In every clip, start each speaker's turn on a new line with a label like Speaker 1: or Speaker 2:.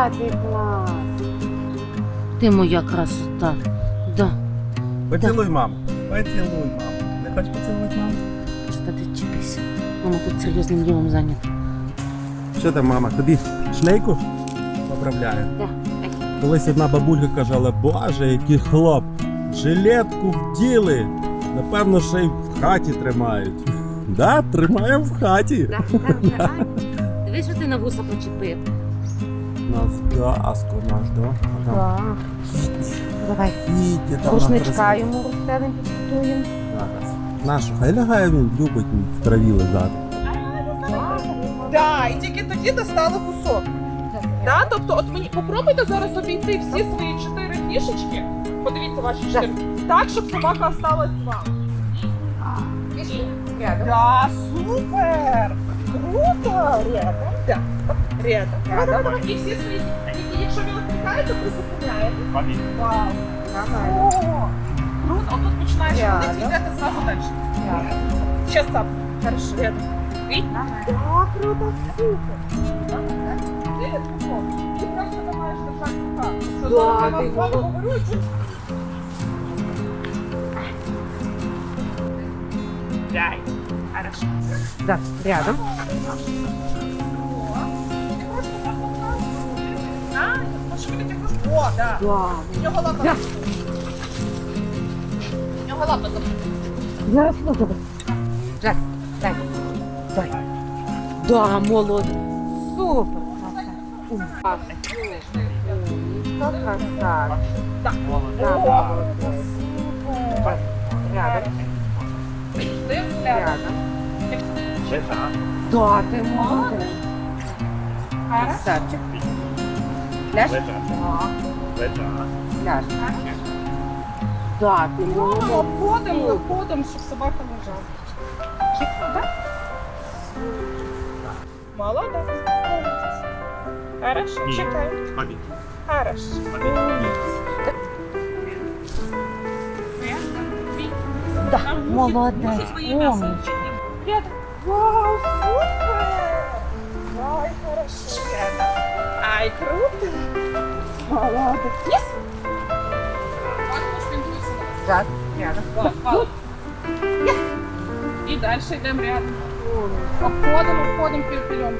Speaker 1: ти клас. Ти моя красота. Да.
Speaker 2: Поцілуй маму. Поцілуй маму. Не хочеш поцілувати маму?
Speaker 1: Що ти чіпися? Мама тут серйозним ділом зайнята.
Speaker 2: Що там, мама, тобі шлейку поправляє?
Speaker 1: Да.
Speaker 2: Колись одна бабулька казала, боже, який хлоп, жилетку вділи. Напевно, ще й в хаті тримають. Да, тримаємо в хаті.
Speaker 1: Да. Дивись, що ти на вуса почепив.
Speaker 2: Наш Аско наш, да?
Speaker 1: Да. Давай.
Speaker 2: Вітя, там
Speaker 1: Рушничка йому розстелим, підготуємо.
Speaker 2: зараз. Нашу, хай лягає він, любить в траві лежати.
Speaker 3: Да, і тільки тоді достали кусок. Да? Тобто, от мені попробуйте зараз обійти всі свої 4 фішечки. Подивіться ваші 4. Так, щоб собака осталась з вами. Да, супер! Круто! Рядом. Да. Рядом. Давай. І всі свої. І якщо ви відкликаєте, призупиняєте. Вау. О, круто. Отут починаєш ходити, йдете зразу далі. Сейчас сам. Хорошо. Рядом. Видь? Да, круто, супер. Ти просто не маєш держати в руках. Що зараз я вам з вами говорю, і чуть. Дай. Хорошо.
Speaker 1: Да, рядом.
Speaker 3: О, да.
Speaker 1: Да.
Speaker 3: У нього лапа.
Speaker 1: Да.
Speaker 3: У нього лапа запустила.
Speaker 1: Зараз можна. Жас, дай. Дай. Да, молодець. Супер. Красавчик. Красавчик.
Speaker 3: Так.
Speaker 1: Да,
Speaker 3: О,
Speaker 1: молодець.
Speaker 3: супер.
Speaker 1: Рядом.
Speaker 3: Ти
Speaker 1: Рядом. Да, ти молодець. Красавчик. Ляж? Ляж. Да, ти молодець.
Speaker 3: обходимо, щоб собака лежала. Молодець. Хорошо, чекай. Хорошо.
Speaker 1: Да, молодець. Умничка.
Speaker 3: Рядом. Вау, супер! Ай, хорошо, рядом. Ай, круто. Молодець. Єс?
Speaker 1: Жас, рядом.
Speaker 3: Єс. І далі йдемо рядом. Обходимо, беремо.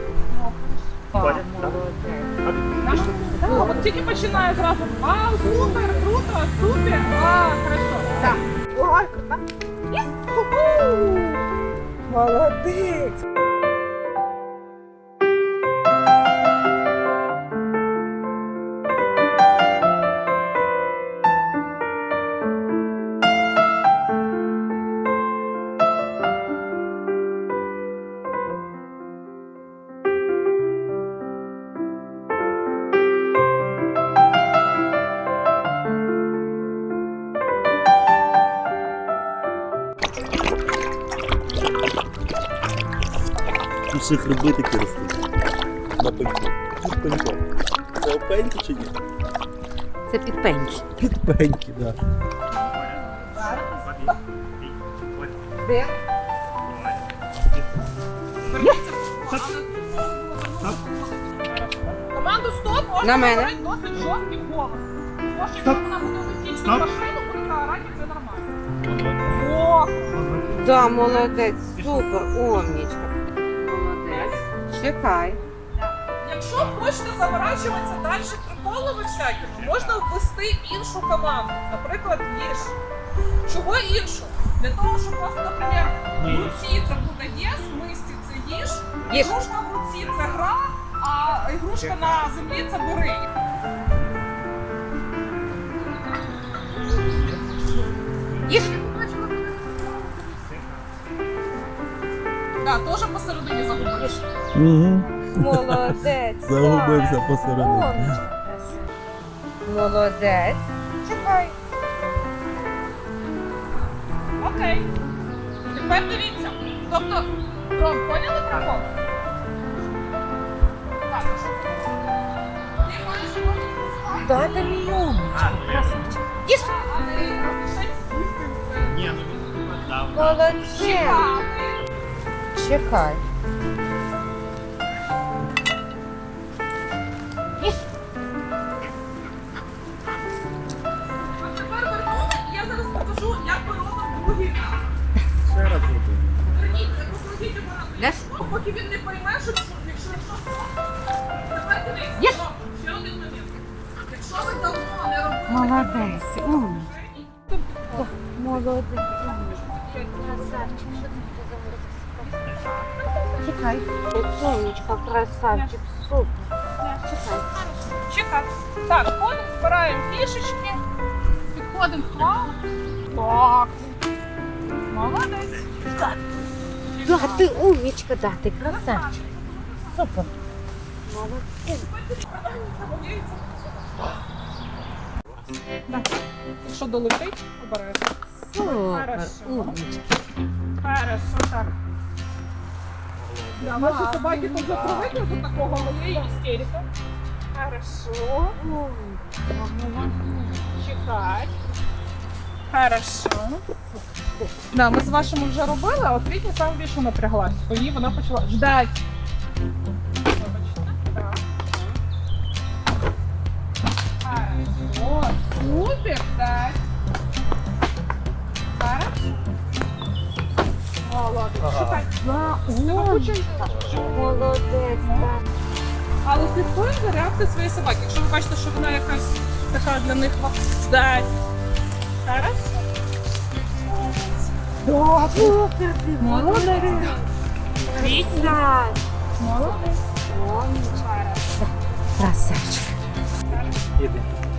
Speaker 3: От тільки починає зразу. Вау, супер, круто, супер. А, хорошо. Так. Ой, круто. Єс. Ху-ху. Молодець.
Speaker 2: Тут ще хреби такі ростуть. На пеньку. Тут пенько. Це опеньки чи ні?
Speaker 1: Це підпеньки.
Speaker 2: Підпеньки, так.
Speaker 1: Де?
Speaker 3: Команду стоп, можна
Speaker 1: На мене.
Speaker 3: говорити досить жорсткий голос. Тому що якщо вона буде летіти в машину, буде орати, це нормально. О,
Speaker 1: Да, молодець. Супер, умничка. Молодець. Чекай.
Speaker 3: якщо хочете заворачуватися далі приколами всякими, можна ввести іншу команду. Наприклад, їж. Чого іншу? Для того, щоб просто, наприклад, в руці це буде єс, в мисці це їж,
Speaker 1: Їж.
Speaker 3: ігрушка в руці це гра, а ігрушка на землі це бери.
Speaker 1: Їж.
Speaker 3: Так, теж посередині загубиш.
Speaker 2: Угу.
Speaker 1: Молодець.
Speaker 2: Загубився посередині.
Speaker 1: Умничка. Молодець. Чекай.
Speaker 3: Окей. Тепер дивіться. Тобто, Ром, поняли прикол? Так, а що це? Ти маєш його відпускати,
Speaker 1: Да, ти мій умничка. Красавчик. Їж.
Speaker 3: але ще сісти.
Speaker 1: Молодець.
Speaker 3: Чекати.
Speaker 1: Чекай. Їж.
Speaker 3: Поки він не пойме, що якщо... Тепер дивись, ще один момент. Якщо ви давно не робили...
Speaker 1: Молодець. Молодець. Чекай. Сонечка, красавчик, супер. Чекай.
Speaker 3: Чекай. Так, ходимо, збираємо фішечки, підходимо к вам. Так. Молодець.
Speaker 1: Да, ти умничка, да, ти красавчик. Супер. Молодець.
Speaker 3: Якщо долетить, обережно.
Speaker 1: Супер, умничка.
Speaker 3: Хорошо, так. Да, наші собаки тут вже привикли до такого, але є істерика. Хорошо. Чекай. Хорошо. Да, ми з вашими вже робили, а от Вітня саме більше напряглась. Бо їй вона почала ждать. Вибачте. Так. Хорошо. Супер, так. Хорошо. Молодець. Чекай.
Speaker 1: Молодець, так.
Speaker 3: Але слідкуємо за реакцією своєї собаки. Якщо ви бачите, що вона якась така для них ждать. Хорошо. Да,
Speaker 1: Супер, ти
Speaker 3: молодець.
Speaker 1: Красавчик.
Speaker 3: Молодець.
Speaker 1: Умничка. Красавчик.
Speaker 4: Іди.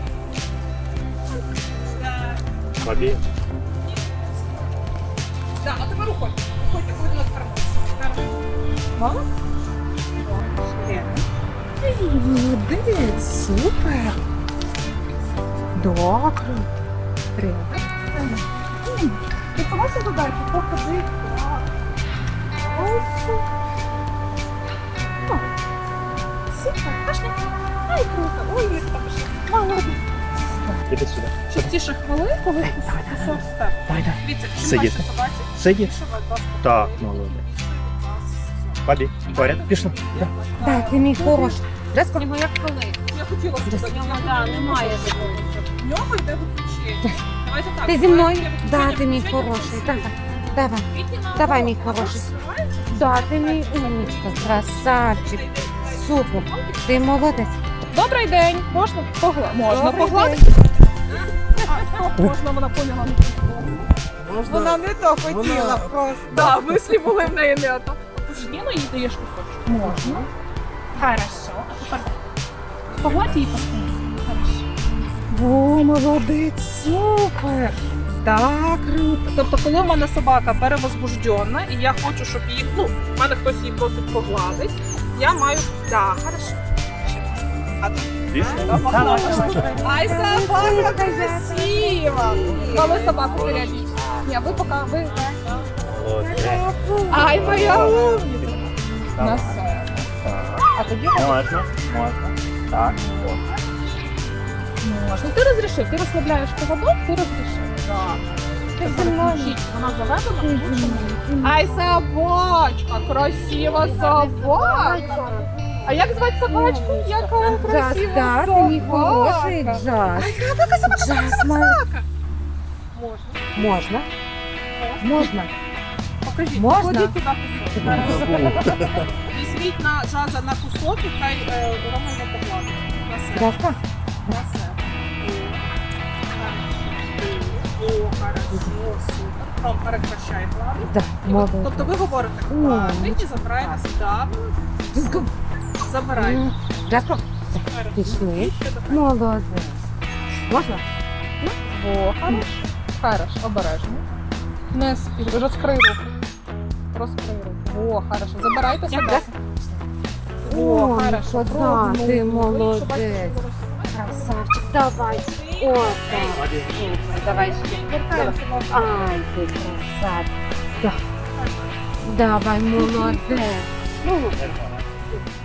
Speaker 4: Бабі.
Speaker 3: Так, а тепер уходь. Уходьте, уходьте на тепер. Молодець.
Speaker 1: Молодець, супер. Добре.
Speaker 3: Ти побачиш задачу? Покажи. Ось. Супер. Пошли. Ай, круто. Ой, як там пішли. Молодець.
Speaker 4: Іди сюди.
Speaker 3: Частіше хвилин, коли кусок став. Дивіться, чим
Speaker 4: Сидіти.
Speaker 3: ваші собаці,
Speaker 4: Сиді.
Speaker 3: більше вас вас
Speaker 4: Так, молодець. Бабі, поряд. Пішла. Да.
Speaker 1: Так, ти мій хороший. Резко.
Speaker 3: Його як коли. Я хотіла сказати, немає такого. В нього йде виключення. Давайте так.
Speaker 1: Ти зі мною?
Speaker 3: давайте
Speaker 1: Да,
Speaker 3: виключення,
Speaker 1: ти мій
Speaker 3: включення,
Speaker 1: хороший.
Speaker 3: включення.
Speaker 1: Давай. Давай, мій хороший. Да, ти мій умничка, красавчик. Супер. Ти молодець.
Speaker 3: Добрий день. Можна погладити? Можна
Speaker 1: Добрий
Speaker 3: погладити. А, стоп, можна, вона поняла. Вона не то хотіла просто. Да, мислі були в неї не то. Ніно їй даєш кусочок? Можна. Хорошо. А тепер погладь її по спині. Хорошо. О, молодець, супер. Так, круто. Тобто, коли в мене собака перевозбуждена, і я хочу, щоб її, в мене хтось її просить погладить, я маю, так, хорошо. Ай, собака красива! Коли собаку перейдіть. Ні, ви поки, ви.
Speaker 4: Молодець.
Speaker 3: Ай, моя умниця. На себе.
Speaker 4: Так.
Speaker 3: А тобі
Speaker 4: Можна, можна. Так.
Speaker 3: можна. Ти розрішив, ти розслабляєш поводок, ти розрішив. Так. Ти зі мною. Вона заведена, ай, собачка, красива собака. А як звати собачку? Яка красива
Speaker 1: Джаз,
Speaker 3: собака.
Speaker 1: ти мій хороший Джаз.
Speaker 3: Яка собака,
Speaker 1: Джаз,
Speaker 3: собака. Можна.
Speaker 1: Можна? Можна.
Speaker 3: Покажіть,
Speaker 1: Можна?
Speaker 3: покладіть туди кусок. Візьміть на Джаза на кусок і хай Рома його погладить. На себе.
Speaker 1: Краска?
Speaker 3: На себе. О, хорошо, супер. Ром, перекращай гладить.
Speaker 1: Да,
Speaker 3: І ви-
Speaker 1: молодець.
Speaker 3: Тобто ви говорите, гладить і забираєте сюди. Забираєте.
Speaker 1: Краска? Пішли. Молодець. Можна?
Speaker 3: О, хорошо. Хорошо, обережно. Не спіль, розкрий руку. Розкрий руку. О, хорошо. Забирайте себе. О, хорошо.
Speaker 1: да,
Speaker 3: Пробуй.
Speaker 1: ти
Speaker 3: Ну,
Speaker 1: молодець.
Speaker 3: якщо бачите, що ви
Speaker 1: Красавчик, давай. О, так. Супер. Давай ще.
Speaker 3: Вертаємося в ваш-
Speaker 1: Ай, ти красавчик. Да. Давай, молодець.